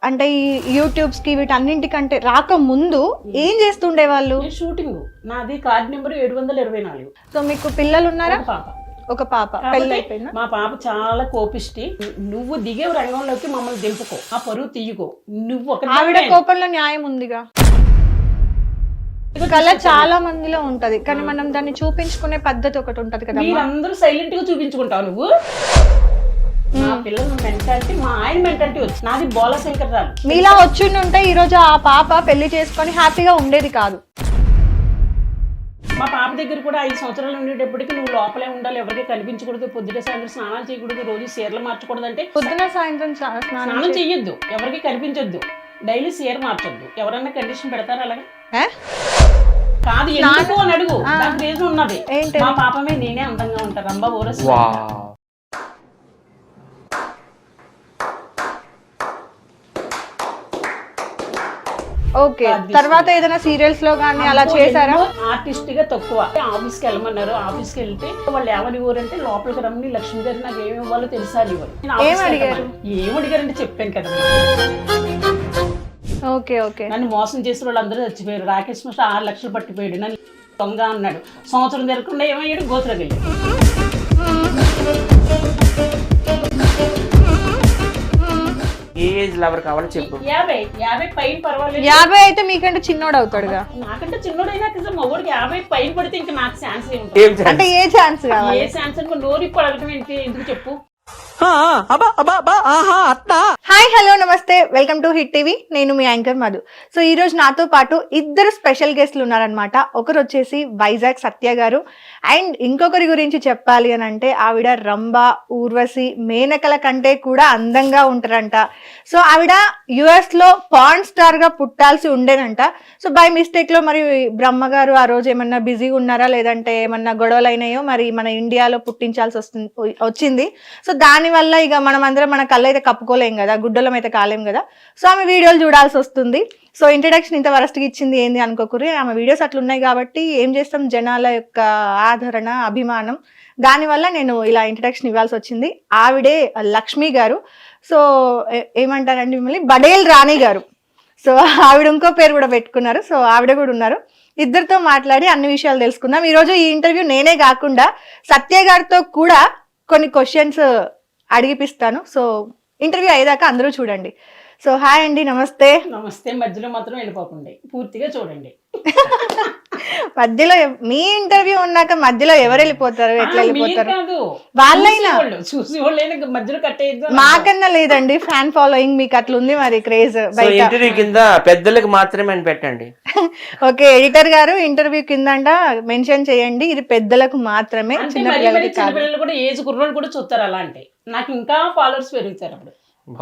అంటే ఈ యూట్యూబ్స్ కి వీటన్నింటికంటే రాక ముందు ఏం చేస్తుండే వాళ్ళు? షూటింగ్ నాది కార్డ్ నెంబర్ 724. సో మీకు పిల్లలు ఉన్నారా? పాప, ఒక పాప. పెళ్ళి అయిపోయిందా? మా పాప చాలా కోపిష్టి. నువ్వు దిగే రంగంలోకి మమ్మల్ని దింపుకో, ఆ పరువు తీయకో. నువ్వు ఒక ఆవిడ కోపంలో న్యాయం ఉందిగా. కళ చాలా మందిలో ఉంటది, కానీ మనం దాన్ని చూపించుకునే పద్ధతి ఒకటి ఉంటది కదా. మీరందరూ సైలెంట్ గా చూపించుకుంటావు నువ్వు. మా పిల్లల మెంటాలిటీ, మా ఆయన మెంటాలిటీ వచ్చి నాది బోలా శంకర్రాలు. మీలా వచ్చిండుంటే ఈ రోజు ఆ పాప పెళ్లి చేసుకొని హ్యాపీగా ఉండేది కాదు. మా పాప దగ్గర కూడా 5 సంవత్సరాలు ఉండేటప్పటికి నువ్వు లోపలే ఉండాలి, ఎవరికి కనిపించకూడదు, పొద్దుట సాయంత్రం స్నానాలు చేయకూడదు, రోజు చీరలు మార్చకూడదు. అంటే పొద్దున సాయంత్రం స్నానం చెయ్యొద్దు, ఎవరికి కనిపించొద్దు, డైలీ చీర మార్చొద్దు. ఎవరన్నా కండిషన్ పెడతారు అలాగా? కాదు, ఎందుకు అని అడుగు. దానికి రీజన్ ఉన్నది. మా పాపమే నేనే అందంగా ఉంటారు అంబా ఓరస్. ఓకే, తర్వాత ఏదైనా సీరియల్స్ లో గానీ అలా చేశారా? ఆర్టిస్ట్ గా తక్కువ. ఆఫీస్ కి వెళ్ళమన్నారు, ఆఫీస్ కి వెళ్తే వాళ్ళు ఏమని ఊరంటే లోపలికి రమ్మని లక్ష్మి గారు నాకు ఏమి ఇవ్వాలో తెలుసా అని ఇవ్వాలి. ఏమడిగారంటే చెప్పాను కదా. Okay okay. నన్ను మోసం చేసిన వాళ్ళు అందరూ చచ్చిపోయారు. రాకేష్ మాస్టర్ 6 లక్షలు పట్టిపోయాడు, నన్ను దొంగ అన్నాడు. సంవత్సరం జరగకుండా ఏమయ్యాడు, గోతులోకి వెళ్ళాడు. ఏజ్ లవర్ కావాలో చెప్పు. 50 పైన పర్వాలేదు. 50 అయితే మీకంటే చిన్నోడు అవుతాడుగా. నాకంటే చిన్నోడైనా కదా మగోడికి 50 పైన పడితే ఇంకా నాకు ఛాన్స్ ఏమి అంటే ఏ ఛాన్స్ కావాలి? ఏ ఛాన్స్ అనుకో, నోరు ఇప్పుడు అడగటం ఏంటి, ఎందుకు చెప్పు. హాయ్, హలో, నమస్తే, వెల్కమ్ టు హిట్ టీవీ. నేను మీ యాంకర్ మధు. సో ఈ రోజు నాతో పాటు ఇద్దరు స్పెషల్ గెస్ట్లు ఉన్నారనమాట. ఒకరు వచ్చేసి వైజాగ్ సత్య గారు, అండ్ ఇంకొకరి గురించి చెప్పాలి అని అంటే ఆవిడ రంభ, ఊర్వశి, మేనకల కంటే కూడా అందంగా ఉంటారంట. సో ఆవిడ US లో పాన్ స్టార్ గా పుట్టాల్సి ఉండేనంట. సో బై మిస్టేక్ లో మరి బ్రహ్మ గారు ఆ రోజు ఏమన్నా బిజీగా ఉన్నారా, లేదంటే ఏమన్నా గొడవలు అయినాయో, మరి మన ఇండియాలో పుట్టించాల్సి వచ్చింది. సో దానివల్ల ఇక మనం అందరం మన కళ్ళు అయితే కప్పుకోలేం కదా, గుడ్డలం అయితే కాలేం కదా. సో ఆమె వీడియోలు చూడాల్సి వస్తుంది. సో ఇంట్రడక్షన్ ఇంత వరస్ట్గా ఇచ్చింది ఏంది అనుకోకూరి, ఆమె వీడియోస్ అట్లున్నాయి కాబట్టి ఏం చేస్తాం, జనాల యొక్క ఆదరణ, అభిమానం, దానివల్ల నేను ఇలా ఇంట్రడక్షన్ ఇవ్వాల్సి వచ్చింది. ఆవిడే లక్ష్మి గారు. సో ఏమంటారండి మిమ్మల్ని, బడేల్ రాణి గారు. సో ఆవిడ ఇంకో పేరు కూడా పెట్టుకున్నారు. సో ఆవిడ కూడా ఉన్నారు. ఇద్దరితో మాట్లాడి అన్ని విషయాలు తెలుసుకుందాం. ఈరోజు ఈ ఇంటర్వ్యూ నేనే కాకుండా సత్య గారితో కూడా కొన్ని క్వశ్చన్స్ అడిగిపిస్తాను. సో ఇంటర్వ్యూ అయ్యేదాకా అందరూ చూడండి. సో హాయ్ అండి, నమస్తే. నమస్తే. మధ్యలో మాత్రం వెళ్ళిపోకండి, పూర్తిగా చూడండి. మధ్యలో మీ ఇంటర్వ్యూ ఉన్నాక మధ్యలో ఎవరు వెళ్ళిపోతారు, ఎట్లా వెళ్ళిపోతారు? వాళ్ళైనా చూసి వాళ్ళైనా మధ్యలో కట్టేయద్దు. మాకన్నా లేదండి ఫ్యాన్ ఫాలోయింగ్, మీకు అట్లా ఉంది మరి క్రేజ్. ఇంటర్వ్యూ కింద పెద్దలకు మాత్రమే అని పెట్టండి. ఓకే, ఎడిటర్ గారు ఇంటర్వ్యూ కింద మెన్షన్ చేయండి, ఇది పెద్దలకు మాత్రమే, చిన్న పిల్లలు కూడా, ఏజ్ కుర్రోళ్ళు కూడా చూస్తారు. అలా అంటే నాకు ఇంకా ఫాలోవర్స్ పెరుగుతారు అప్పుడు.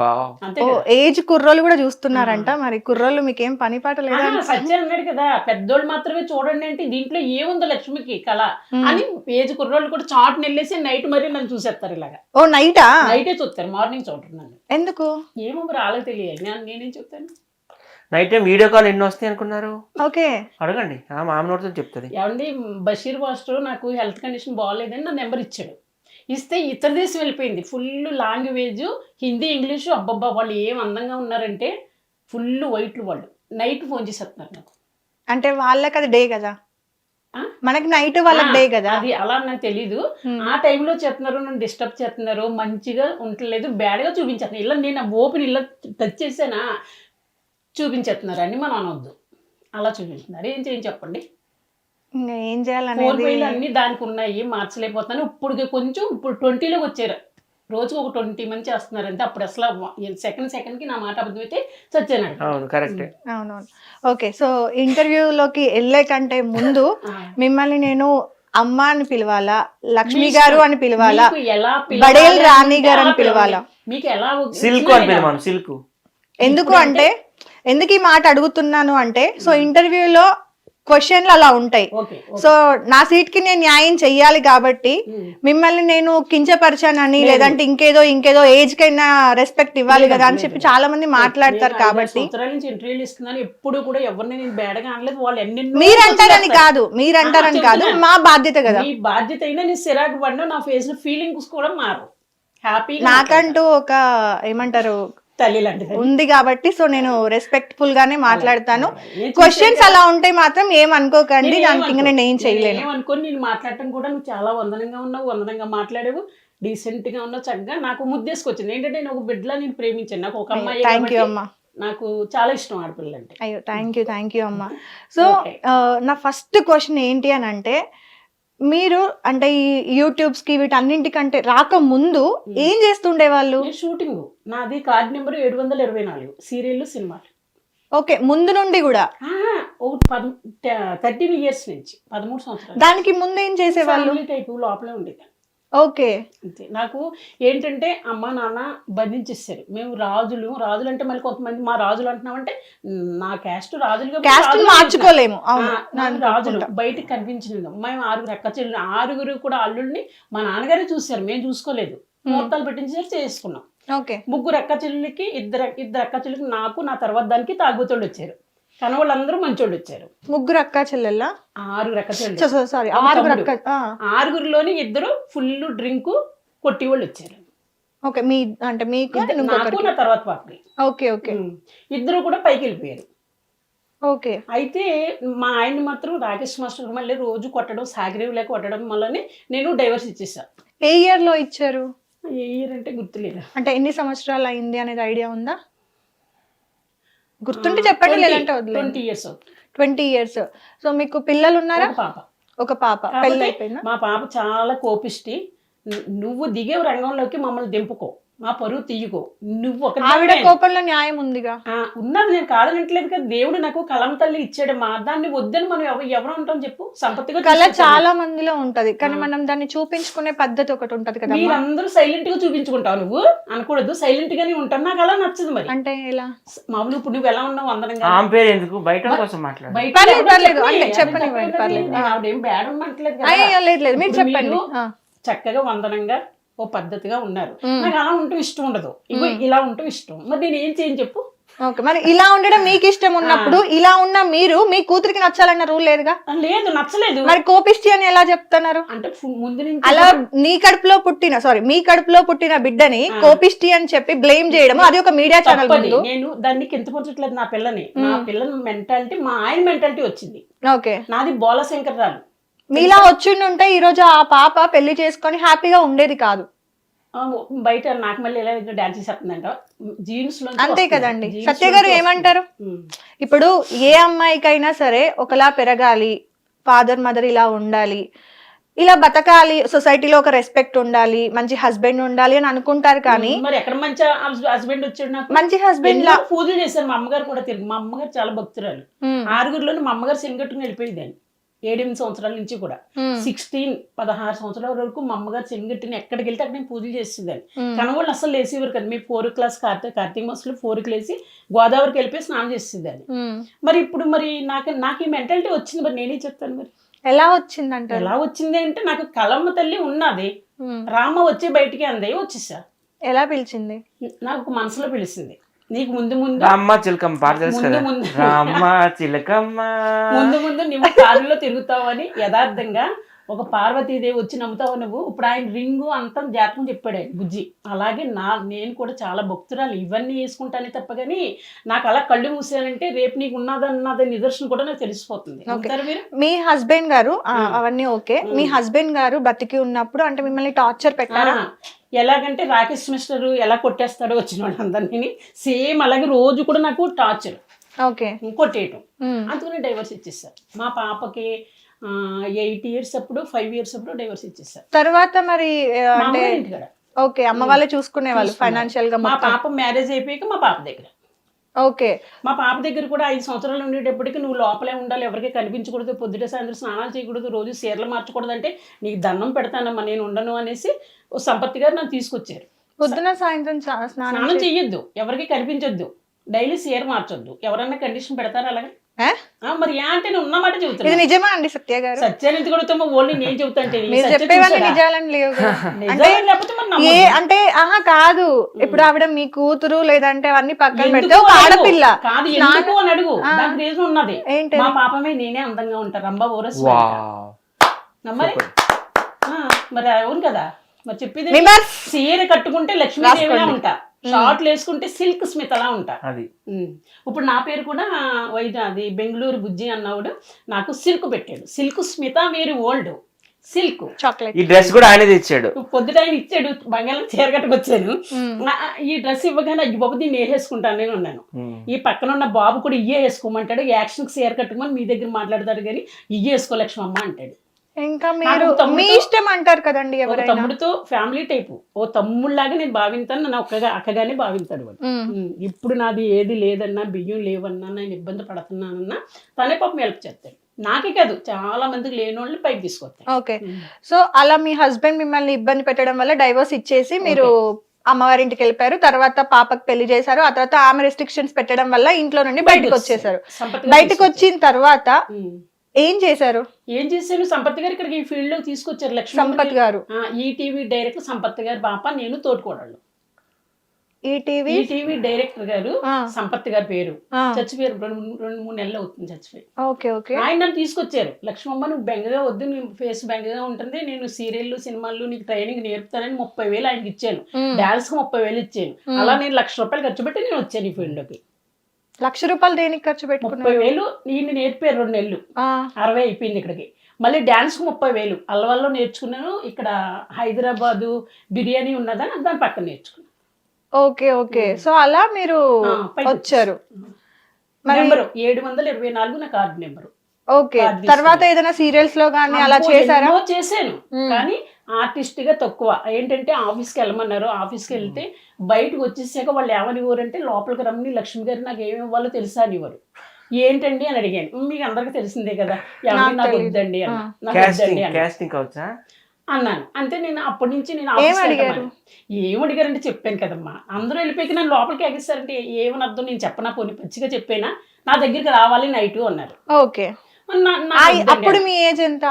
ఏజ్ కుర్రోళ్ళు కూడా చూస్తున్నారంట. మరి కుర్రోళ్ళు మీకేం పని పాట లేదా? సత్య అన్నాడు కదా, పెద్దోళ్ళు మాత్రమే చూడండి అంటే దీంట్లో ఏముందో లక్ష్మికి కళ అని. ఏజ్ కుర్రోళ్ళు కూడా చాట్ నెల్లేసి నైట్ మరి నన్ను చూసేస్తారు ఇలాగా. ఓ నైటా? నైటే చూస్తారు, మార్నింగ్ చూడరు నన్ను. ఎందుకు ఏమో రాళ్ళకి తెలియాలి, నేనేం చెప్తాను. నైట్ టైం వీడియో కాల్ ఎన్ని వస్తాయి అనుకున్నారు? ఓకే, అడగండి, మామ నోటితో చెప్తుంది. ఏమండి, బషీర్ మాస్టర్ నాకు హెల్త్ కండిషన్ బాగాలేదని నా నెంబర్ ఇచ్చాడు. ఇస్తే ఇతర దేశం వెళ్ళిపోయింది. Full language, Hindi, English. అబ్బబ్బా, వాళ్ళు ఏం అందంగా ఉన్నారంటే ఫుల్ వైట్లు. వాళ్ళు నైట్ ఫోన్ చేసేస్తున్నారు నాకు. అంటే వాళ్ళకి అది డే కదా, మనకి నైట్, వాళ్ళకి డే కదా. అది అలా నాకు తెలీదు. ఆ టైంలో చేస్తున్నారు, నన్ను డిస్టర్బ్ చేస్తున్నారు, మంచిగా ఉండలేదు, బ్యాడ్గా చూపించేస్తున్నారు. ఇలా నేను ఓపెన్ ఇలా టచ్ చేసానా చూపించేస్తున్నారు అన్ని, మనం అనవద్దు, అలా చూపించుతున్నారు. ఏం చేయండి చెప్పండి. ఏం చేయాలనేది అన్ని దానికి ఉన్నాయి, మార్చలేకపోతున్నాను. ఇప్పుడు కొంచెం, ఇప్పుడు 20లోకి వచ్చారు. రోజుకు ఒక 20 మంది చేస్తున్నారు అంటే అప్పుడు అసలు సెకండ్ కి నా మాట అబద్ధమైతే చచ్చాను. అవునవును. ఓకే, సో ఇంటర్వ్యూలోకి వెళ్ళే కంటే ముందు మిమ్మల్ని నేను అమ్మ అని పిలవాలా, లక్ష్మి గారు అని పిలవాలా, బడేల్ రాణి గారు అని పిలవాలా? మీకు ఎలా సిల్క్ అని పిలవాను. సిల్క్ ఎందుకు అంటే, ఎందుకు ఈ మాట అడుగుతున్నాను అంటే, సో ఇంటర్వ్యూలో క్వశ్చన్లు అలా ఉంటాయి. సో నా సీట్ కి నేను న్యాయం చెయ్యాలి కాబట్టి మిమ్మల్ని నేను కించపరిచానని, లేదంటే ఇంకేదో ఏజ్ కైనా రెస్పెక్ట్ ఇవ్వాలి కదా అని చెప్పి చాలా మంది మాట్లాడతారు. కాబట్టి మీరంటారని కాదు, మా బాధ్యత కదా. బాధ్యత అయినా నీ సిరాకు పడినా నా ఫేస్ లో ఫీలింగ్స్ కూడా మారు. హ్యాపీ నాకంటూ ఒక ఏమంటారు తల్లి లాంటిది. ఉంది కాబట్టి సో నేను రెస్పెక్ట్ఫుల్ గానే మాట్లాడతాను. నేను క్వశ్చన్స్ అలా ఉంటే మాత్రం ఏం అనుకోకండి, దానికి ఇంకా నేను ఏం చేయలేను. ఏమనుకోని నేను మాట్లాడటం కూడా నువ్వు చాలా వందనంగా ఉన్నావు, వందనంగా మాట్లాడావు, డీసెంట్ గా ఉన్నావు, చక్కగా నాకు ముద్దేసుకొచ్చింది. ఏంటంటే నేను ఒక బిడ్డలా నేను ప్రేమించాను. నాకు ఒక అమ్మాయి థ్యాంక్ యూ కాబట్టి అమ్మా. నాకు చాలా ఇష్టం ఆడపిల్ల అంటే. అయ్యో థ్యాంక్ యూ అమ్మా. So Okay. నా ఫస్ట్ క్వశ్చన్ ఏంటి అని అంటే, మీరు అంటే ఈ యూట్యూబ్స్ కి వీటన్నింటికంటే రాకముందు ఏం చేస్తుండే వాళ్ళు? నేను షూటింగ్ నాది కార్డ్ నెంబర్ 724 సీరియల్ సినిమాలు. ఓకే, ముందు నుండి కూడా? ఒక 13 ఇయర్స్ నుంచి 13 సంవత్సరాలు. దానికి ముందు ఏం చేసేవాళ్ళు? ఫ్యామిలీ టైపు లోపలే ఉండేది ఓకే. అంతే. నాకు ఏంటంటే అమ్మ నాన్న బంధించేస్తారు. మేము రాజులు అంటే మళ్ళీ కొంతమంది మా రాజులు అంటున్నామంటే నా క్యాస్ట్ రాజులుగా క్యాస్ట్ మార్చుకోలేము. అవును, నాకు రాజులు బయటకు కనిపించింది. మేము 6 అక్క చెల్లెలు, 6 కూడా అల్లుడిని మా నాన్నగారే చూశారు, మేము చూసుకోలేదు. ముహూర్తాలు పెట్టించేసి చేసుకున్నాం. ఓకే. 3 అక్క చెల్లెలకి ఇద్దరు అక్క చెల్లెలకి నాకు, నా తర్వాత దానికి తాగుతోళ్ళు వచ్చారు. కానీ వాళ్ళందరూ మంచోళ్ళు వచ్చారు. 3 అక్క చెల్లెళ్ళ? 6 అక్క చెల్లెలు. సారీ, ఒక 6 తమ్ముడు. అక్క. 6లోని 2 ఫుల్ డ్రింక్ కొట్టి వాళ్ళు వచ్చారు. ఓకే, మీ అంటే మీకు నాకు నా తర్వాత పాపకి. Okay okay. 2 కూడా పైకి వెళ్ళిపోయారు. ఓకే. అయితే మా ఆయన్ని మాత్రం రాకేష్ మాస్టర్ మళ్ళీ రోజు కొట్టడం, సాగరేవు లేక కొట్టడం వల్లనే నేను డైవర్స్ ఇచ్చేసా. ఏ ఇయర్ లో ఇచ్చారు? ఏ ఇయర్ అంటే గుర్తులేదు. అంటే ఎన్ని సంవత్సరాలు అయింది అనేది ఐడియా ఉందా? గుర్తుంటే చెప్పండి, లేదంటే వదిలేదు. 20 ఇయర్స్. 20 ఇయర్స్. సో మీకు పిల్లలు ఉన్నారా? పాప. ఒక పాప. పెళ్ళి అయిపోయిందా? మా పాప చాలా కోపిష్టి. నువ్వు దిగే రంగంలోకి మమ్మల్ని దింపుకో, మా పరువు తీయకో, నువ్వు ఒక ఆవిడ కోపంలో న్యాయం ఉందిగా. ఉన్నది, నేను కాదనట్లేదు కదా. దేవుడు నాకు కలం తల్లి ఇచ్చాడు మా, దాన్ని వద్దని మనం ఎవరు ఉంటాం చెప్పు? సంపత్తిగా కళ చాలా మందిలో ఉంటది, కానీ మనం దాన్ని చూపించుకునే పద్ధతి ఒకటి ఉంటది కదా. మీరందరూ సైలెంట్ గా చూపించుకుంటావు, నువ్వు అనకూడదు. సైలెంట్ గానే ఉంటాను, నాకు అలా నచ్చదు. మరి అంటే ఎలా? మామూలు ఇప్పుడు నువ్వు ఎలా ఉన్నావు వందనంగా, ఆమె పేరు ఎందుకు బయట కోసం మాట్లాడు. పర్లేదు, అంటే చెప్పనివ్వండి, పర్లేదు. ఆవిడేం బ్యాడ్ అనట్లేదు అయ్యో, కదా. లేదు మీరు చెప్పండి. చక్కగా వందనంగా ఓ పద్ధతిగా ఉన్నారు. నాకు అలా ఉంటూ ఇష్టం ఉండదు, ఇగో ఇలా ఉంటూ ఇష్టం. మరి నేను ఏం చేయను చెప్పు? ఓకే, మరి ఇలా ఉండడం మీకు ఇష్టం ఉన్నప్పుడు ఇలా ఉన్న మీరు మీ కూతురికి నచ్చాలన్న రూల్ లేదుగా? లేదు, నచ్చలేదు. మరి కోపిష్టి అని ఎలా చెప్తున్నారు? అంటే ముందు నుంచి అలా మీ కడుపులో పుట్టిన బిడ్డని కోపిష్టి అని చెప్పి బ్లేమ్ చేయడం, అది ఒక మీడియా ఛానల్ ముందు. నేను దాన్ని కించపరచట్లేదు నా పిల్లని. నా పిల్లల మెంటాలిటీ మా ఆయన మెంటాలిటీ వచ్చింది. ఓకే. నాది బోలశంకర్రాలు. మీలా వచ్చిండుంటే ఈ రోజు ఆ పాప పెళ్లి చేసుకొని హ్యాపీగా ఉండేది కాదు. బయట నాకు మళ్ళీ ఎలా డాన్స్ చేస్తుందంట జీన్స్ లో. అంతే కదండి. సత్య గారు ఏమంటారు? ఇప్పుడు ఏ అమ్మాయికైనా సరే ఒకలా పెరగాలి, ఫాదర్ మదర్ ఇలా ఉండాలి, ఇలా బతకాలి, సొసైటీలో ఒక రెస్పెక్ట్ ఉండాలి, మంచి హస్బెండ్ ఉండాలి అని అనుకుంటారు. కానీ మరి ఎక్కడ మంచి హస్బెండ్ వచ్చాడు నాకు? మంచి హస్బెండ్ లా పూజలు చేశారు. మా అమ్మగారు కూడా తిరిగి, మా అమ్మగారు చాలా భక్తురాలు. 6 మా అమ్మగారు శనిగట్టుకుని వెళ్ళిపోయిందని 7-8 సంవత్సరాల నుంచి కూడా 16 సంవత్సరాల వరకు మా అమ్మగారు శనిగట్టుని ఎక్కడికి వెళ్తే అక్కడ నేను పూజలు చేసేదాన్ని. కనవాళ్ళు అసలు లేసేవారు కదా. మీ 4 క్లాస్ కార్తీక మాసంలో 4కి లేసి గోదావరికి వెళ్ళిపోయి స్నానం చేసేదాన్ని. మరి ఇప్పుడు మరి నాకు ఈ మెంటాలిటీ వచ్చింది. మరి నేనే చెప్తాను. మరి ఎలా వచ్చిందంటే, ఎలా వచ్చింది అంటే నాకు కలమ్మ తల్లి ఉన్నది, రామ వచ్చి బయటికి అందే వచ్చేసా. ఎలా పిలిచింది? నాకు మనసులో పిలిచింది. నీకు ముందు రామ్మ చిలకమ్మ పాట తెలుసు కదా, రామ్మ చిలకమ్మ ముందు నువ్వు కారులో తిరుగుతావని యథార్థంగా ఒక పార్వతీదేవి వచ్చి నమ్ముతావు నువ్వు. ఇప్పుడు ఆయన రింగు అంతా జాతకం చెప్పాడు ఆయన బుజ్జి. అలాగే నేను కూడా చాలా భక్తురాలు, ఇవన్నీ వేసుకుంటానే తప్ప కానీ నాకు అలా కళ్ళు మూసానంటే రేపు నీకు ఉన్నదన్నది నిదర్శనం కూడా నాకు తెలిసిపోతుంది. మీ హస్బెండ్ గారు అవన్నీ ఓకే, మీ హస్బెండ్ గారు బతికి ఉన్నప్పుడు అంటే మిమ్మల్ని టార్చర్ పెట్టారా? ఎలాగంటే రాకేష్ మిస్టర్ ఎలా కొట్టేస్తాడో వచ్చిన వాళ్ళందరినీ సేమ్ అలాగే రోజు కూడా నాకు టార్చర్, ఓకే, కొట్టేయటం. అందుకని డైవర్స్ ఇచ్చేసారు. మా పాపకి 8 ఇయర్స్ అప్పుడు 5 ఇయర్స్ అప్పుడు డైవర్స్ ఇచ్చేసారు. తర్వాత మరి అంటే ఇంటికాడ ఓకే, అమ్మ వాళ్ళే చూసుకునే వాళ్ళు ఫైనాన్షియల్ గా. మా పాప మ్యారేజ్ అయిపోయాక మా పాప దగ్గర, ఓకే, మా పాప దగ్గర కూడా 5 సంవత్సరాలు ఉండేటప్పటికి నువ్వు లోపలే ఉండాలి, ఎవరికి కనిపించకూడదు, పొద్దుట సాయంత్రం స్నానాలు చేయకూడదు, రోజు చీరలు మార్చకూడదు, అంటే నీకు దండం పెడతానమ్మా నేను ఉండను అనేసి సంపత్తి గారు నన్ను తీసుకొచ్చారు. పొద్దున సాయంత్రం స్నానం చెయ్యొద్దు, ఎవరికి కనిపించొద్దు, డైలీ చీర మార్చొద్దు. ఎవరన్నా కండిషన్ పెడతారా అలాగే? మరి అంటే నేను ఉన్నమాట చెబుతాను. ఇది నిజమా అండి సత్య గారు? సత్యాన్ని ఎందుకు కొడుతామో ఓన్లీ నేను చెబుతాంటే చెప్పేవన్నీ నిజాలని లేవు. అంటే ఆహా కాదు, ఇప్పుడు ఆవిడ మీ కూతురు లేదంటే అవన్నీ పక్కన పెడితే ఒక ఆడపిల్ల కాదు ఎందుకు అని అడుగు. దానికి రీజన్ ఉన్నది. మా పాపమే నేనే అందంగా ఉంటారు రంభా ఓరస్. మరి అవును కదా. మరి చెప్పేది Members. చీర కట్టుకుంటే లక్ష్మీదేవిలా ఉంటా, షార్ట్లు వేసుకుంటే సిల్క్ స్మితలా ఉంటా. అది ఇప్పుడు నా పేరు కూడా అది బెంగళూరు బుజ్జి అన్నవాడు నాకు సిల్క్ పెట్టాడు. సిల్క్ స్మిత వేరు ఓల్డ్ సిల్క్ చాక్లెట్. ఈ డ్రెస్ కూడా ఆయనే తెచ్చాడు. పొద్దుట ఆయన ఇచ్చాడు, బంగాళం చీర కట్టుకొచ్చాను. ఈ డ్రెస్ ఇవ్వగానే అయ్యి బాబు దీన్ని వేసేసుకుంటాను నేను ఉన్నాను. ఈ పక్కన ఉన్న బాబు కూడా ఇయ్యే వేసుకోమంటాడు, యాక్షన్కి చీర కట్టుకోమని మీ దగ్గర మాట్లాడతాడు కానీ ఇయ్యే వేసుకో లక్ష్మమ్మ అంటాడు. ఇంకా మీరు మీ ఇష్టం అంటారు కదండి ఎవరైనా. తమ్ముడితో ఫ్యామిలీ టైపు, ఓ తమ్ముళ్ళలాగా నేను భావింతాను, నన్ను అక్కగానే భావించాడు వాడు. ఇప్పుడు నాది ఏది లేదన్నా, బియ్యం లేవన్నా, నేను ఇబ్బంది పడుతున్నానన్నా తనే పాపం హెల్ప్ చేస్తాడు. నాకే కాదు చాలా మందికి లేని వాళ్ళు పైకి తీసుకొస్తాను. ఓకే, సో అలా మీ హస్బెండ్ మిమ్మల్ని ఇబ్బంది పెట్టడం వల్ల డైవోర్స్ ఇచ్చేసి మీరు అమ్మవారింటికి వెళ్ళిపోయారు. తర్వాత పాపకు పెళ్లి చేశారు. ఆ తర్వాత ఆమె రెస్ట్రిక్షన్స్ పెట్టడం వల్ల ఇంట్లో నుండి బయటకు వచ్చేసారు. బయటకు వచ్చిన తర్వాత ఏం చేశారు? ఏం చేశాను, సంపత్ గారు ఇక్కడికి ఈ ఫీల్డ్ లో తీసుకొచ్చారు. లక్ష్మీ సంపత్ గారు ఈటీవీ డైరెక్టర్ సంపత్ గారు పాప, నేను తోడుకోడళ్ళు. ఈటీవీ డైరెక్టర్ గారు సంపత్ గారి పేరు, చచ్చిపోయారు 2-3 నెలలు అవుతుంది చచ్చిపోయి. ఆయన నన్ను తీసుకొచ్చారు. లక్ష్మమ్మ నువ్వు బెంగగా వద్దు, నీ ఫేస్ బెంగగా ఉంటుంది, నేను సీరియల్ సినిమాలు నీకు ట్రైనింగ్ నేర్పుతానని 30,000 ఆయనకి ఇచ్చాను. డాన్స్ కి 30,000 ఇచ్చాను. అలా నేను ₹1,00,000 ఖర్చు పెట్టి నేను వచ్చాను ఈ ఫీల్డ్ లోకి. ₹1,00,000 దేనికి ఖర్చు పెట్టుకున్నారు? 30,000 ఈయన నేర్పారు 2 నెలలు, 60 అయిపోయింది ఇక్కడికి. మళ్ళీ డాన్స్ కు 30,000 అల్లవల్లో నేర్చుకున్నాను. ఇక్కడ హైదరాబాదు బిర్యానీ ఉన్నదని దాని పక్కన నేర్చుకున్నాను. ఓకే, సో అలా మీరు వచ్చారు. నెంబరు 724 నా కార్డు నెంబరు. ఓకే, తర్వాత ఏదైనా సీరియల్స్ లో గానీ అలా చేశారా? చేశాను కానీ ఆర్టిస్ట్ గా తక్కువ. ఏంటంటే ఆఫీస్కి వెళ్ళమన్నారు, ఆఫీస్కి వెళ్తే బయటకు వచ్చేసాక వాళ్ళు ఏమనివ్వరంటే లోపలికి రమ్మని లక్ష్మి గారు నాకు ఏమి ఇవ్వాలో తెలుసా అనివ్వరు. ఏంటండి అని అడిగాను. మీకు అందరికి తెలిసిందే కదా, నాకు వద్దండి అన్నాను. అంతే. నేను అప్పటి నుంచి నేను ఏమడిగారంటే చెప్పాను కదమ్మా, అందరూ వెళ్ళిపోయి నన్ను లోపలికి ఎగిస్తారంటే ఏమని అర్థం, నేను చెప్పనా పోనీ పచ్చిగా చెప్పానా, నా దగ్గరికి రావాలి నైట్ అన్నారు. ఓకే, అప్పుడు మీ ఏజ్ ఎంత?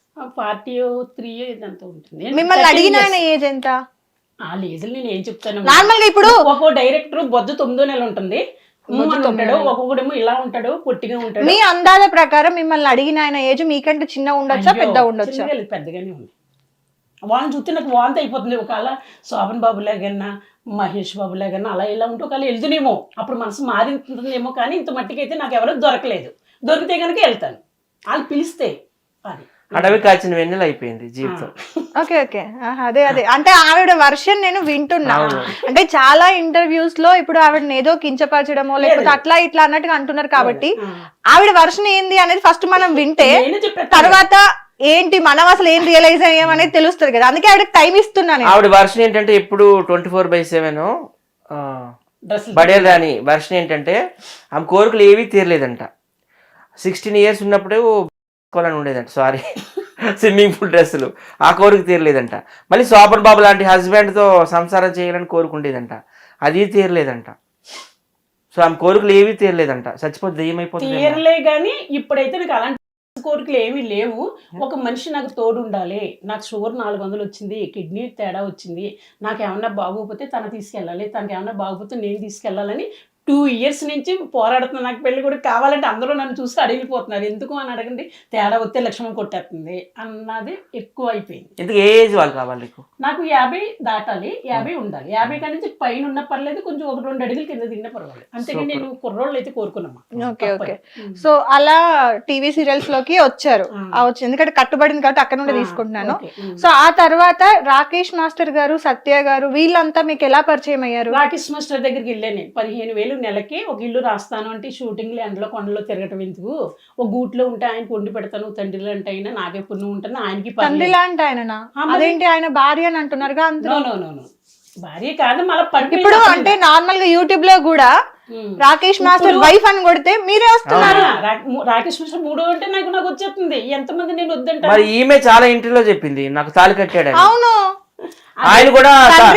43 ఇదంతా ఉంటుంది. మిమ్మల్ని అడిగిన ఏజ్ ఎంత? ఆ లేజులు నేను ఏం చెప్తాను, నార్మల్గా ఇప్పుడు ఒక్కో డైరెక్టర్ బొద్దు 9 నెలలు ఉంటుంది, ఉంటాడు, ఒక్కొక్కడేమో ఇలా ఉంటాడు, పొట్టిగా ఉంటాడు. మీ అందాల ప్రకారం మిమ్మల్ని అడిగిన ఆయన ఏజ్ మీకంటే చిన్న ఉండొచ్చా పెద్ద ఉండొచ్చా? పెద్దగానే ఉంది. వాళ్ళని చూస్తే నాకు వాంతి అయిపోతుంది. ఒకవేళ శోభన్ బాబు లాగన్నా, మహేష్ బాబు లాగన్నా అలా ఇలా ఉంటే ఒకవేళ వెళ్తునేమో, అప్పుడు మనసు మారింటుందేమో. కానీ ఇంత మట్టికైతే నాకు ఎవరో దొరకలేదు. దొరికితే కనుక వెళ్తాను, వాళ్ళు పిలిస్తే. అది అడవి కాచిన వెన్నెల అయిపోయింది జీవితం. ఓకే, అదే అంటే ఆవిడ వర్షన్ నేను వింటున్నా. అంటే చాలా ఇంటర్వ్యూస్ లో ఇప్పుడు ఆవిడని ఏదో కించపరచడమో లేకపోతే అట్లా ఇట్లా అన్నట్టుగా అంటున్నారు. కాబట్టి ఆవిడ వర్షన్ ఏంది అనేది ఫస్ట్ మనం వింటే తర్వాత ఏంటి మనం అసలు ఏం రియలైజ్ అయ్యాం అనేది తెలుస్తుంది కదా. అందుకే ఆవిడకి టైం ఇస్తున్నాను. ఆవిడ వర్షన్ ఏంటంటే ఇప్పుడు 24/7 బడేదాని వర్షన్ ఏంటంటే ఆమె కోరికలు ఏవీ తీరలేదంట. 16 years ఉన్నప్పుడు కోలని ఉండేదంట, సారీ స్విమ్మింగ్ పూల్ డ్రెస్సులు, ఆ కోరిక తీరలేదంట. మళ్ళీ శోభన్ బాబు లాంటి హస్బెండ్తో సంసారం చేయాలని కోరుకుండేదంట, అది తీరలేదంట. సో ఆమె కోరికలు ఏవీ తీరలేదంట, చచ్చిపోతే దెయ్యమైపోతుంది. తీరలే కానీ ఇప్పుడైతే నాకు అలాంటి కోరికలు ఏమీ లేవు. ఒక మనిషి నాకు తోడు ఉండాలి. నాకు షుగర్ 400 వచ్చింది, కిడ్నీ తేడా వచ్చింది, నాకు ఏమన్నా బాగోకపోతే తన తీసుకెళ్ళాలి, తనకి ఏమన్నా బాగోకపోతే నేను తీసుకెళ్ళాలని 2 years నుంచి పోరాడుతున్నా. నాకు పెళ్లి కూడా కావాలంటే అందరూ నన్ను చూసి అడిగిపోతున్నారు. ఎందుకు అని అడగండి, తేడా వస్తే లక్ష్మణ్ కొట్టేస్తుంది అన్నది ఎక్కువ అయిపోయింది. ఎందుకు ఏ ఏజ్ వాళ్ళు కావాలి? నాకు 50 దాటాలి, 50 ఉండాలి. 50 కాడి నుంచి పైన ఉన్న పర్లేదు, కొంచెం 1-2 అడుగులు కింద తిన్న పర్వాలేదు. అంతేగాని నేను కుర్రోళ్ళు అయితే కోరుకున్నామా. ఓకే, సో అలా టీవీ సీరియల్స్ లోకి వచ్చారు. ఎందుకంటే కట్టుబడింది కాబట్టి అక్కడ నుండి తీసుకుంటున్నాను. సో ఆ తర్వాత రాకేష్ మాస్టర్ గారు, సత్య గారు వీళ్ళంతా మీకు ఎలా పరిచయం అయ్యారు? రాకేష్ మాస్టర్ దగ్గరికి వెళ్ళాను నేను. 15,000 నెలకి ఒక ఇల్లు రాస్తాను అంటే షూటింగ్లు ఎండలో కొండలో తిరగటం ఎందుకు, ఒక గూట్లో ఉంటే ఆయనకు వండి పెడతాను, తండ్రి లాంటి అయినా నాకే పుణ్యం ఉంటాను, ఆయనకి తండ్రి లాంటి ఆయన. అదేంటి ఆయన భార్య అని అంటున్నారుగా? నో భార్య కాదు, మళ్ళీ ఇప్పుడు అంటే నార్మల్ గా యూట్యూబ్ లో కూడా రాకేష్ మాస్టర్ వైఫ్ అని కొడితే మీరే వస్తున్నారు. రాకేష్ మాస్టర్ 3 అంటే నాకు వచ్చేస్తుంది. ఎంతమంది నేను వద్దంటే మరి ఈమె చాలా ఇంటర్వ్యూలో చెప్పింది నాకు తాళి కట్టాడు. అవును, ఆయన కూడా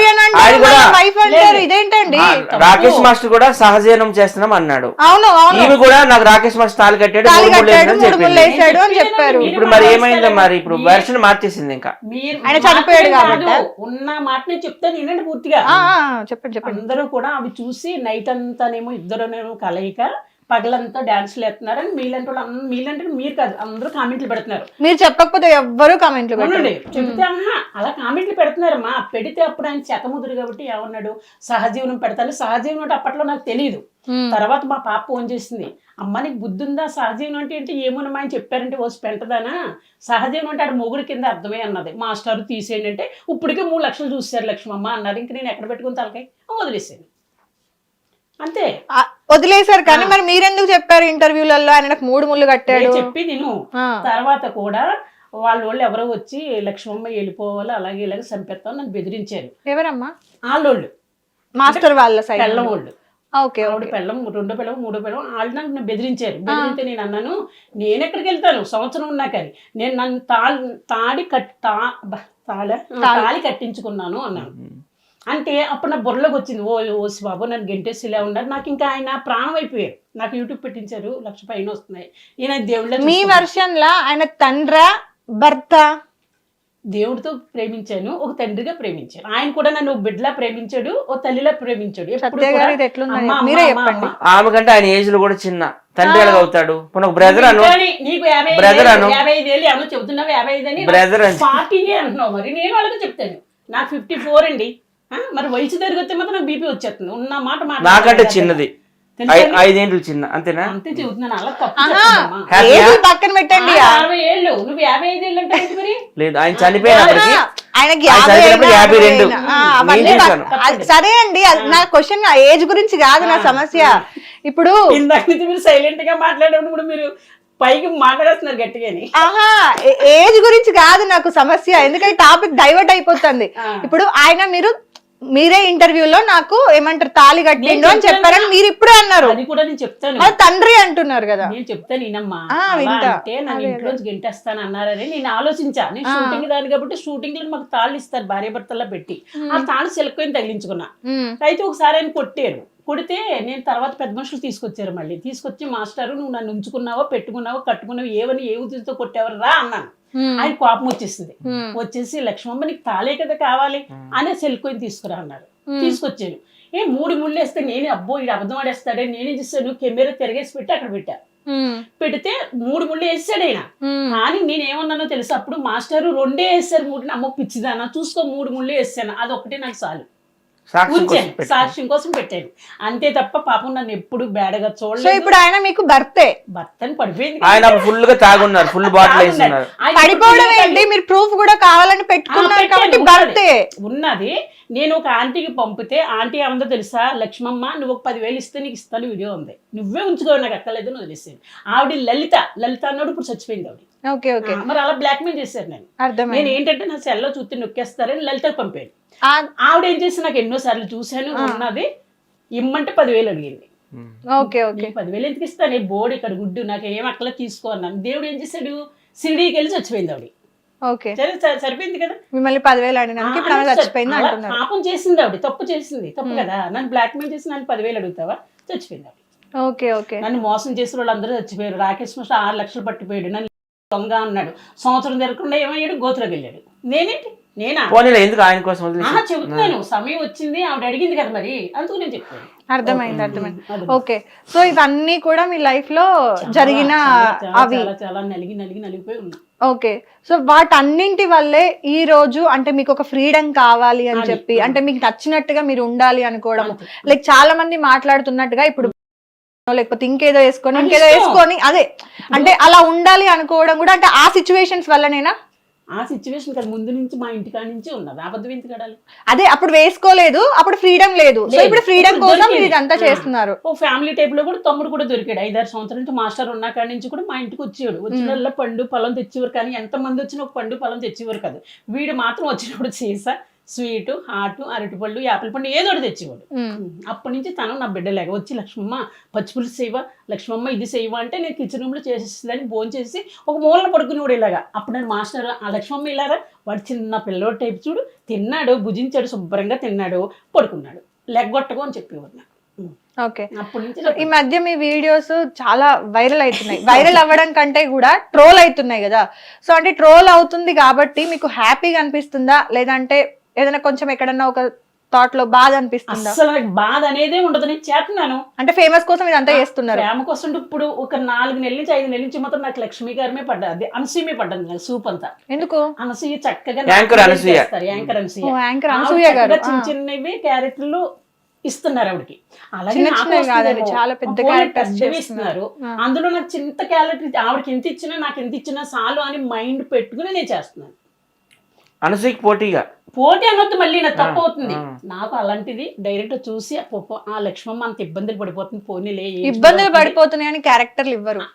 ఇదేంటండి రాకేష్ మాస్టర్ కూడా సహజీవనం చేస్తున్నాం అన్నాడు. అవును, ఈమె కూడా నాకు రాకేష్ మాస్టర్ తాళి కట్టాడు అని చెప్పారు. ఇప్పుడు మరి ఏమైందో మరి ఇప్పుడు వెర్షన్ మార్చేసింది. ఇంకా ఆయన చనిపోయాడు కాబట్టి ఉన్న మాటనే చెప్తాను వినండి పూర్తిగా. చెప్పండి. అందరూ కూడా అవి చూసి నైట్ అంతానేమో ఇద్దరునేమో కలయిక పగలంతా డాన్స్లు వేస్తున్నారని మీలాంటి వాళ్ళు మీలాంటి మీరు కాదు అందరూ కామెంట్లు పెడుతున్నారు. మీరు చెప్పకపోతే ఎవ్వరూ కామెంట్లు అవునండి, చెబితే అలా కామెంట్లు పెడుతున్నారమ్మా. పెడితే అప్పుడు ఆయన చెతముదురు కాబట్టి ఏమన్నాడు, సహజీవనం పెడతాను. సహజీవనం అంటే అప్పట్లో నాకు తెలియదు. తర్వాత మా పాప ఫోన్ చేసింది, అమ్మ నీకు బుద్ధి ఉందా, సహజీవనం అంటే ఏంటి, ఏమోనమ్మా అని చెప్పారంటే వచ్చి పెంటదానా, సహజీవనం అంటే ఆడ మొగుడు కింద అర్థమే అన్నది. మాస్టర్ తీసేయండి అంటే ఇప్పటికే 3 లక్షలు చూసారు లక్ష్మమ్మ అన్నారు. ఇంక నేను ఎక్కడ పెట్టుకుని తలకాయ వదిలేసాను అంతే. వదిలేశారు. కానీ మరి మీరెందుకు చెప్పారు ఇంటర్వ్యూలలో ఆయన నాకు 3 ముళ్ళు కట్టాడు చెప్పి నేను తర్వాత కూడా వాళ్ళు ఎవరో వచ్చి లక్ష్మమ్మ వెళ్ళిపోవాలి అలాగే ఇలాగే చంపేస్తాం నన్ను బెదిరించారు. ఎవరమ్మా? వాళ్ళోళ్ళు మాస్టర్ వాళ్ళ సైడ్ పెళ్ళం వాళ్ళు. ఓకే, ఆవిడ పెళ్ళం 2 పిల్లలు 3 పిల్లలు వాళ్ళు నన్ను బెదిరించారు. బెదిరితే నేను అన్నాను, నేను ఎక్కడికి వెళ్తాను సంవత్సరం ఉన్నా కానీ, నేను నన్ను తాళి కట్టించుకున్నాను అన్నాను. అంటే అప్పుడు నా బుర్రలోకి వచ్చింది, ఓసి బాబు నన్ను గెంటేసి ఇలా ఉన్నారు. నాకు ఇంకా ఆయన ప్రాణం అయిపోయారు. నాకు యూట్యూబ్ పెట్టించారు, 1 లక్ష పైన వస్తున్నాయి. ఈయన దేవుళ్ళ మీ వర్షన్ లా ఆయన తండ్రా భర్త? దేవుడితో ప్రేమించాను, ఒక తండ్రిగా ప్రేమించాను. ఆయన కూడా నన్ను బిడ్డలా ప్రేమించాడు, ఓ తల్లిలా ప్రేమించాడు. మీరే చెప్పండి. ఆమె కంటే ఆయన ఏజ్ లో కూడా చిన్న, తండ్రి ఎలాగ అవుతాడు? బ్రదర్ అను, నీకు బ్రదర్ అను, 55 ఏమో చెబుతున్నావు, 55 అని బ్రదర్ 40 అంటున్నావు. మరి నేను వాళ్ళకి చెప్తాను నాకు 54 అండి. మరి వయసు తిరిగితే మాత్రం నాకు బీపీ వచ్చేస్తుంది. ఉన్న మాట నాకంటే చిన్నది, 5 ఏళ్ళు చిన్న, అంతేనా? అంతే చెబుతున్నాను. అలా పక్కన పెట్టండి. 60 ఏళ్ళు, నువ్వు 55 ఏళ్ళు అంటే మరి లేదు, ఆయన చనిపోయినప్పటికీ ఆయనకి 52. సరే అండి, నా క్వశ్చన్ ఏజ్ గురించి కాదు నా సమస్య. ఇప్పుడు ఇందాక నుంచి మీరు సైలెంట్ గా మాట్లాడేటప్పుడు మీరు పైకి మాట్లాడుతున్నారు గట్టిగాని. ఏజ్ గురించి కాదు నాకు సమస్య, ఎందుకంటే టాపిక్ డైవర్ట్ అయిపోతుంది. ఇప్పుడు ఆయన మీరే ఇంటర్వ్యూలో నాకు ఏమంటారు తాళి కట్టిండు అని చెప్పారని మీరు ఇప్పుడే అన్నారు. అది కూడా నేను చెప్తాను, తండ్రి అంటున్నారు కదా. నేను చెప్తాను ఈనమ్మా, అంటే నన్ను ఇంట్లోంచి గెంటేస్తాను అన్నారని నేను ఆలోచించా. నేను షూటింగ్ దాని కాబట్టి షూటింగ్ లో మాకు తాళ్ళు ఇస్తారు భార్య భర్తల్లో పెట్టి, ఆ తాళ్ళు సిల్కొని తగిలించుకున్నా. అయితే ఒకసారి ఆయన కొట్టారు. కొడితే నేను తర్వాత పెద్ద మనుషులు తీసుకొచ్చారు. మళ్ళీ తీసుకొచ్చి మాస్టారు నువ్వు నన్ను ఉంచుకున్నావో పెట్టుకున్నావో కట్టుకున్నావో ఏ ఉద్దేశంతో కొట్టేవారు రా అన్నాను. ఆయన కోపం వచ్చేసింది. వచ్చేసి లక్ష్మమ్మ నీకు తాళే కదా కావాలి అనే సెల్కొని తీసుకురా అన్నారు. తీసుకొచ్చాను. 3 ముళ్ళు వేస్తే నేను అబ్బో ఇది అబద్ధం ఆడేస్తాడే, నేనేం చేస్తాను కెమెరా తిరగేసి పెట్టి అక్కడ పెట్టా. పెడితే 3 ముళ్ళు వేసాడు ఆయన. కానీ నేనేమన్నానో తెలుసు అప్పుడు, మాస్టర్ 2 వేసారు 3 అమ్మ పిచ్చిదానా చూసుకో 3 ముళ్ళు వేసాను, అదొకటి నాకు చాలు ఉంచాను, సాక్ష్యం కోసం పెట్టాను అంతే తప్ప పాపం నన్ను ఎప్పుడు బేడగా చూడలేదు. ఇప్పుడు ఆయన మీకు భర్తని పడిపోయింది. ఆయన ఫుల్ గా తాగున్నారు, ఫుల్ బాటిల్ వేస్తున్నారు. పడిపోవడం ఏంటి, మీరు ప్రూఫ్ కూడా కావాలని పెట్టుకున్నారు కాబట్టి భర్తే ఉన్నది. నేను ఒక ఆంటీకి పంపితే ఆంటీ ఏమందో తెలుసా, లక్ష్మమ్మ నువ్వు ఒక 10,000 ఇస్తే నీకు ఇస్తాను వీడియో ఉంది, నువ్వే ఉంచుకో నాకు అక్కర్లేదు అని వదిలేసాను. ఆవిడ లలిత అన్నాడు, ఇప్పుడు చచ్చిపోయింది ఆవిడ. మరి అలా బ్లాక్ మెయిల్ చేశారు. నేను ఏంటంటే నా సెల్లో చూస్తే నొక్కేస్తారని లలితకు పంపాను. ఆవిడ ఏం చేసి నాకు ఎన్నోసార్లు చూశాను ఉన్నది, ఇమ్మంటే 10,000 అడిగింది. 10,000 ఎందుకు ఇస్తాను, బోర్డు ఇక్కడ గుడ్డు నాకు ఏం అక్కల తీసుకో అన్నాను. దేవుడు ఏం చేశాడు, సిరిడీకి వెళ్ళి చచ్చిపోయింది ఆవిడ. సరిపోయింది కదా, మిమ్మల్ని 10,000 అడిగిన పాపం చేసింది ఆవిడ, తప్పు చేసింది, తప్పు కదా. నన్ను బ్లాక్ మెయిల్ చేసి నన్ను 10,000 అడుగుతావా, చచ్చిపోయింది ఆవిడ. నన్ను మోసం చేసిన వాళ్ళందరూ చచ్చిపోయారు. రాకేష్ మాస్టర్ 6 లక్షలు పట్టిపోయాడు, నన్ను దొంగ అన్నాడు. సంవత్సరం తిరగకుండా ఏమయ్యాడు, గోతులోకి వెళ్ళాడు. నేనా ఎందుకు ఆయన కోసం చెబుతున్నాను, సమయం వచ్చింది ఆవిడ అడిగింది కదా మరి, అందుకు నేను చెప్తాను. అర్థమైంది. ఓకే, సో ఇవన్నీ కూడా మీ లైఫ్ లో జరిగిన అవి చాలా నలిగిపోయి ఉన్నా. ఓకే, సో వాటన్నింటి వల్లే ఈ రోజు అంటే మీకు ఒక ఫ్రీడమ్ కావాలి అని చెప్పి, అంటే మీకు నచ్చినట్టుగా మీరు ఉండాలి అనుకోవడం, లైక్ చాలా మంది మాట్లాడుతున్నట్టుగా ఇప్పుడు లేకపోతే ఇంకేదో వేసుకొని అదే అంటే అలా ఉండాలి అనుకోవడం కూడా, అంటే ఆ సిచ్యువేషన్స్ వల్లనేనా? ఆ సిచ్యువేషన్ కదా ముందు నుంచి మా ఇంటికాడ నుంచి ఉన్నది, అబద్ధం ఎందుకు కడాలి. అదే అప్పుడు వేసుకోలేదు, అప్పుడు ఫ్రీడమ్ లేదు, సో ఇప్పుడు ఫ్రీడమ్ కోసం మీరు ఇదంతా చేస్తున్నారు. ఓ ఫ్యామిలీ టైప్ లో కూడా తమ్ముడు కూడా దొరికాడు. 5-6 సంవత్సరాల నుంచి మాస్టర్ ఉన్న కాడి నుంచి కూడా మా ఇంటికి వచ్చేవాడు. వచ్చిన పండు పొలం తెచ్చేవారు, కానీ ఎంత మంది వచ్చినా ఒక పండు పొలం తెచ్చేవారు కాదు. వీడు మాత్రం వచ్చినప్పుడు సీసా స్వీట్ హాట్ అరటిపళ్ళు యాపిల్ పండు ఏదో ఒకటి తెచ్చేవాడు. అప్పటి నుంచి తను నా బిడ్డలేక వచ్చి లక్ష్మమ్మ పచ్చిపులుసు చేయవా, లక్ష్మమ్మ ఇది చేయవా అంటే నేను కిచెన్ రూమ్ లో చేసేస్తుందని భోజనం చేసి ఒక మూలన పడుకునేవాడు ఇలాగా. అప్పుడు నేను మాస్టర్ ఆ లక్ష్మమ్మ ఇలారా, వాడు చిన్న పిల్లోడు టైప్ చూడు, తిన్నాడు భుజించాడు శుభ్రంగా తిన్నాడు పడుకున్నాడు, లెగ్గొట్టకు అని చెప్పేవాడు. ఓకే, ఈ మధ్య మీ వీడియోస్ చాలా వైరల్ అవుతున్నాయి. వైరల్ అవ్వడం కంటే కూడా ట్రోల్ అవుతున్నాయి కదా, సో అంటే ట్రోల్ అవుతుంది కాబట్టి మీకు హ్యాపీగా అనిపిస్తుందా, లేదంటే ఏదైనా కొంచెం ఎక్కడన్నా ఒక థాట్ లో బాధ అనిపిస్తుందా? అసలు నాకు బాధ అనేదే ఉండదు, నేను చేస్తున్నాను. అంటే ఫేమస్ కోసం ఇదంతా చేస్తున్నారు. ప్రేమ కోసం ఇప్పుడు ఒక 4 నెలల నుంచి 5 నెలల నుంచి మాత్రం నాకు లక్ష్మి గారిమే పడ్డది, అనసూయమే పడ్డది నాకు సూప్ అంతా. ఎందుకు? అనసూయ చక్కగా యాంకర్ అనసూయ. యాంకర్ అనసూయ. ఓ, యాంకర్ ఆవిడ అనసూయ గారు. చక్కగా చిన్న చిన్నవి క్యారెక్టర్లు ఇస్తున్నారు ఆవిడకి. అలాగే చిన్న నాకు చిన్నవి కాదండి, వస్తుందేమో. చాలా పెద్ద పోనీ characters పెద్దవి చేస్తున్నారు. ఇస్తున్నారు. అందులో నాకు చిన్న క్యారెక్టర్ ఆవిడకి ఎంత ఇచ్చినా నాకు ఎంత ఇచ్చినా చాలు అని మైండ్ పెట్టుకుని నేను చేస్తున్నాను. అనసూయకి పోటీగా. పోటీ అనొద్దు, మళ్ళీ నాకు తప్పు అవుతుంది. నాకు అలాంటిది డైరెక్ట్ చూసి ఆ లక్ష్మమ్మ అంత ఇబ్బందులు పడిపోతుంది, పోనీలే ఇబ్బందులు పడిపోతున్నాయి అని క్యారెక్టర్ ఇవ్వరు.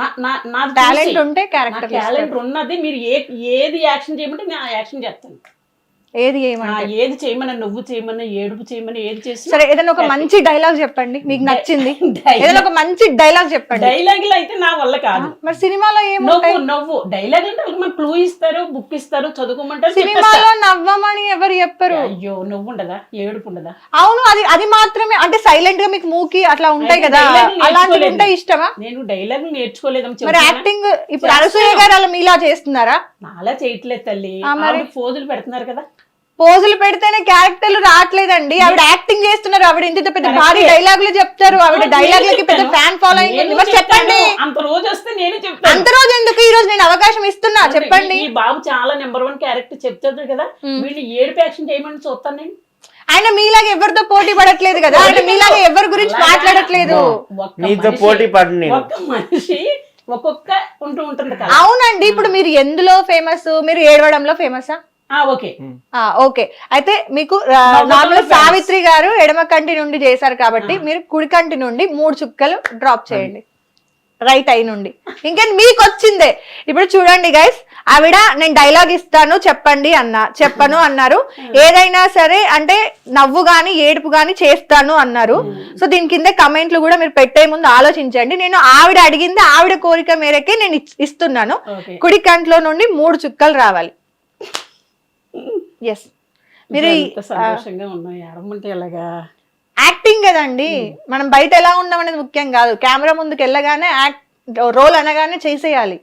నా టాలెంట్ ఉంటే క్యారెక్టర్ టాలెంట్ ఉన్నది, మీరు ఏది యాక్షన్ చేయమంటే నేను ఆ యాక్షన్ చేస్తాను. ఏది ఏమంటే ఏది చేయమన్నా, నువ్వు చేయమన్నా, ఏడుపు చేయమన్నా, ఏది చేసి. సరే, ఏదైనా ఒక మంచి డైలాగ్ చెప్పండి మీకు నచ్చింది. ఏదైనా ఒక మంచి డైలాగ్ చెప్పండి. డైలాగులు అయితే నా వల్ల కాదు. మరి సినిమాలో ఏముంటాయి? నవ్వు డైలాగ్ అంటే మనకు క్లూ ఇస్తారు, బుక్ ఇస్తారు, చదువుకోమంటారు. సినిమాలో నవ్వమని ఎవరు చెప్పరు. అయ్యో, నవ్వు ఉండదా, ఏడుపు ఉండదా? అవును, అది మాత్రమే. అంటే సైలెంట్ గా మీకు మూకి అట్లా ఉంటాయి కదా, డైలాగులు అలాంటివి నేర్చుకోలేదు. ఉంటే ఇష్టమా? నేను డైలాగులు నేర్చుకోలేదని మరి యాక్టింగ్ ఇప్పుడు అనసూయ గారు అలా మీలా చేస్తున్నారా? నాలా చేయట్లేదు తల్లి, ఫోజులు పెడుతున్నారు కదా. పోజులు పెడితేనే క్యారెక్టర్లు రావట్లేదండి. ఆవిడ యాక్టింగ్ చేస్తున్నారు, ఆవిడ ఇంత పెద్ద భారీ డైలాగులు చెప్తారు, ఆవిడ డైలాగులకి పెద్ద ఫ్యాన్ ఫాలోయింగ్ ఉంది. మరి చెప్పండి. అంత రోజు వస్తే నేను చెప్తాను. అంత రోజు ఎందుకు? ఈ రోజు నేను అవకాశం ఇస్తున్నా, చెప్పండి. ఈ బాబు చాలా నెంబర్ 1 క్యారెక్టర్ చెప్తాడు కదా, వీళ్ళు ఏడుపు యాక్షన్ చేయమని చూస్తాను నేను. ఆయన మీలాగా ఎవరితో పోటీ పడట్లేదు కదా, ఆయన మీలాగా ఎవరి గురించి మాట్లాడట్లేదు. నీతో పోటీ పడి ఒక్క మనిషి ఒక్కొక్క ఉంటుంది కదా. అవునండి, ఇప్పుడు మీరు ఎందులో ఫేమస్? మీరు ఏడవడంలో ఫేమసా? ఓకే ఓకే, అయితే మీకు నార్మల్ సావిత్రి గారు ఎడమ కంటి నుండి చేశారు కాబట్టి మీరు కుడి కంటి నుండి 3 చుక్కలు డ్రాప్ చేయండి, రైట్ ఐ నుండి. ఇంకేం మీకు వచ్చిందే. ఇప్పుడు చూడండి గైస్, ఆవిడ నేను డైలాగ్ ఇస్తాను చెప్పండి చెప్పను అన్నారు. ఏదైనా సరే అంటే నవ్వు గాని ఏడుపు గాని చేస్తాను అన్నారు. సో దీని కింద కమెంట్లు కూడా మీరు పెట్టే ముందు ఆలోచించండి. నేను ఆవిడ అడిగింది, ఆవిడ కోరిక మేరకే నేను ఇస్తున్నాను. కుడి కంట్లో నుండి 3 చుక్కలు రావాలి. ఎస్, మీరు సంతోషంగా ఉన్నాయి. ఆడమంటే ఎలాగా యాక్టింగ్ కదండి, మనం బయట ఎలా ఉన్నాం అనేది ముఖ్యం కాదు. కెమెరా ముందుకు వెళ్ళగానే రోల్ అనగానే చేసేయాలి.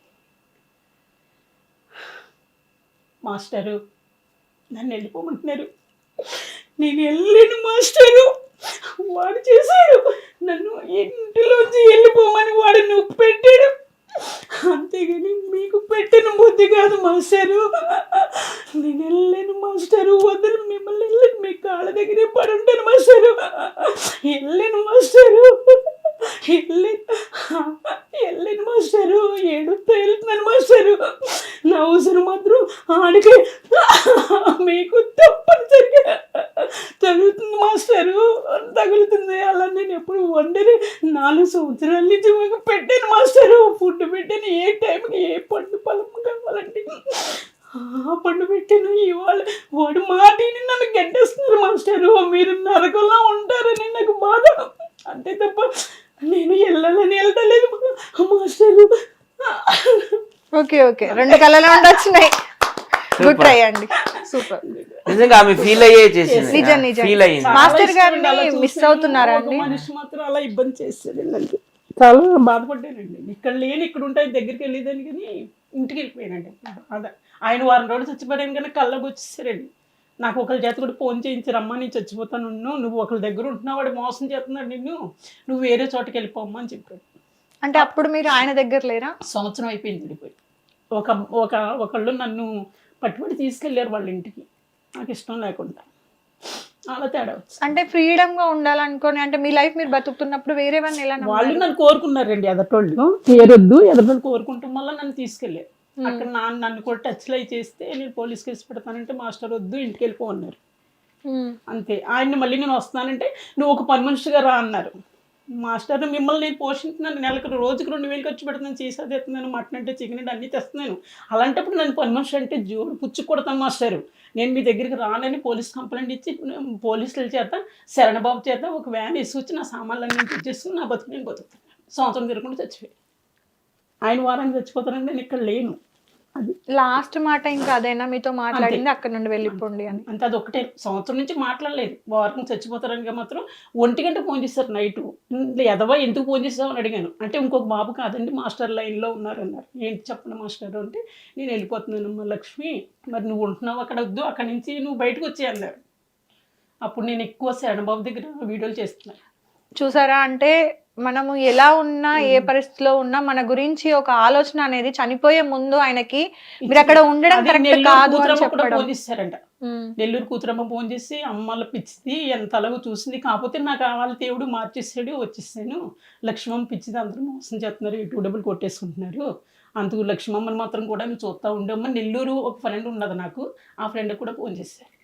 మాస్టరు నన్ను వెళ్ళిపోమంటున్నారు, నేను వెళ్ళలేను మాస్టరు. వాడు చేశాడు, నన్ను ఇంటిలోంచి వెళ్ళిపోమని వాడు నొప్పి పెట్టాడు. అంతేగాని మీకు పెట్టిన బుద్ధి కాదు మాస్టరు. నేను వెళ్ళలేను మాస్టరు, వదలు, మిమ్మల్ని వెళ్ళను, మీ కాళ్ళ దగ్గరే పడి ఉంటాను మాస్టరు. వెళ్ళలేను మాస్టరు, వెళ్ళలేను మాస్టరు, ఏడుతో వెళ్తున్నాను మాస్టరు. నా అవసరం మాత్రం ఆడికి మీకు తప్పనిసరిగా తగులుతుంది మాస్టరు, తగులుతుంది. అలా నేను ఎప్పుడు వండని 4 సంవత్సరాల నుంచి మీకు పెట్టాను మాస్టరు. ఫుడ్ పెట్టాను, ఏ టైంకి ఏ పండు పొలం కావాలంటే ఆ పండు పెట్టాను. ఇవాళ వాడు మాటిని నన్ను గడ్డేస్తున్నారు మాస్టరు. మీరు నరకంలో ఉంటారని నాకు బాధ, అంతే తప్ప నేను వెళ్ళాలని వెళ్తలేదు మాస్టరు. ఓకే ఓకే, 2 కళ్ళలో వచ్చినాయి. గుడ్ ట్రై అండి, సూపర్. నిజంగా ఆమె ఫీల్ అయ్యే చేసింది, నిజం నిజం. ఫీల్ అయ్యింది. మాస్టర్ గారిని మిస్ అవుతున్నారా అండి? మనిషి మాత్రం అలా ఇబ్బంది చేసేది, చాలా బాధపడ్డానండి. ఇక్కడ లేని ఇక్కడ ఉంటాయి, దగ్గరికి వెళ్ళేదాన్ని కానీ ఇంటికి వెళ్ళిపోయానండి. అదే ఆయన 1 వారం రోజులు చచ్చిపోయాను కానీ కళ్ళకు వచ్చేసారండి. నాకు ఒకరి చేత కూడా ఫోన్ చేయించారు, అమ్మ నేను చచ్చిపోతాను, నువ్వు ఒకరి దగ్గర ఉంటున్నావు, వాడు మోసం చేస్తున్నాడు నిన్ను, నువ్వు వేరే చోటకి వెళ్ళిపోమ్మా అని చెప్పాడు. అంటే అప్పుడు మీరు ఆయన దగ్గర లేరా? సంవత్సరం అయిపోయింది వెళ్ళిపోయి. ఒకళ్ళు నన్ను పట్టుబడి తీసుకెళ్ళారు వాళ్ళ ఇంటికి, నాకు ఇష్టం లేకుండా. అలా తేడా వచ్చింది. అంటే ఫ్రీడమ్ గా ఉండాలనుకోని, అంటే మీ లైఫ్ మీరు బతుకుతున్నప్పుడు వేరే వాళ్ళని ఎలా వాళ్ళు నన్ను కోరుకున్నారండి, ఎదటోళ్ళు పేరొద్దు, ఎదటోళ్ళు కోరుకుంటాం వల్ల నన్ను తీసుకెళ్ళారు. అక్కడ నన్ను కూడా టచ్లో చేస్తే నేను పోలీస్ కేసు పెడతానంటే మాస్టర్ వద్దు, ఇంటికి వెళ్ళిపో అన్నారు. అంతే. ఆయన్ని మళ్ళీ నేను వస్తున్నానంటే నువ్వు ఒక పని మనిషిగా రా అన్నారు. మాస్టర్ మిమ్మల్ని నేను పోషించున్నాను, నెలకు రోజుకి 2000 ఖర్చు పెడుతున్నాను, చేసేది ఎత్తున్నాను, మటన్ అంటే చికెన్ అంటే అన్నీ తెస్తున్నాను. అలాంటప్పుడు నన్ను పని మనిషి అంటే జోడు పుచ్చి కొడతాను మాస్టరు. నేను మీ దగ్గరికి రానని పోలీస్ కంప్లైంట్ ఇచ్చి పోలీసుల చేత శరణబాబు చేత ఒక వ్యాన్ వేసుకొచ్చి నా సామాన్లన్నీ తెచ్చేసుకుని నా బతుకు నేను బతుకుతాను. సంవత్సరం తిరగకుండా చచ్చిపోయి ఆయన వారానికి చచ్చిపోతానంటే నేను ఇక్కడ లేను. అది లాస్ట్ మాట ఇంకా అదేనా మీతో మాట్లాడింది, అక్కడ నుండి వెళ్ళిపోండి అని? అంతే, అది ఒకటే. సంవత్సరం నుంచి మాట్లాడలేదు. వారం చచ్చిపోతారని మాత్రం 1 గంట ఫోన్ చేశారు నైటు. ఎదవా ఎందుకు ఫోన్ చేసావు అని అడిగాను. అంటే ఇంకొక బాబు కాదండి మాస్టర్ లైన్లో ఉన్నారన్నారు. ఏంటి చెప్పండి మాస్టర్ అంటే, నేను వెళ్ళిపోతున్నానమ్మా లక్ష్మి, మరి నువ్వు ఉంటున్నావు అక్కడ వద్దు, అక్కడి నుంచి నువ్వు బయటకు వచ్చి అన్నారు. అప్పుడు నేను ఎక్కువ శరణబాబు దగ్గర వీడియోలు చేస్తున్నాను. చూసారా, అంటే మనము ఎలా ఉన్నా ఏ పరిస్థితిలో ఉన్నా మన గురించి ఒక ఆలోచన అనేది చనిపోయే ముందు ఆయనకి మీరు అక్కడ ఉండడం అది కరెక్ట్ నెల్లూరు కాదు అని కూతురమ్మ కూడా చెప్పడం. ఫోన్ చేశారంట. నెల్లూరు కూతురమ్మ ఫోన్ చేసి అమ్మల పిచ్చిది ఎంత అలాగో చూసింది, కాకపోతే నాకు వాళ్ళ దేవుడు మార్చేసాడు వచ్చేసాను, లక్ష్మమ్మ పిచ్చిది అందరూ మోసం చేస్తున్నారు, ఇటు డబ్బులు కొట్టేసుకుంటున్నారు, అందుకు లక్ష్మమ్మని మాత్రం కూడా మేము చూస్తూ ఉండేమ్మా. నెల్లూరు ఒక ఫ్రెండ్ ఉన్నది నాకు, ఆ ఫ్రెండ్ కూడా ఫోన్ చేశారు.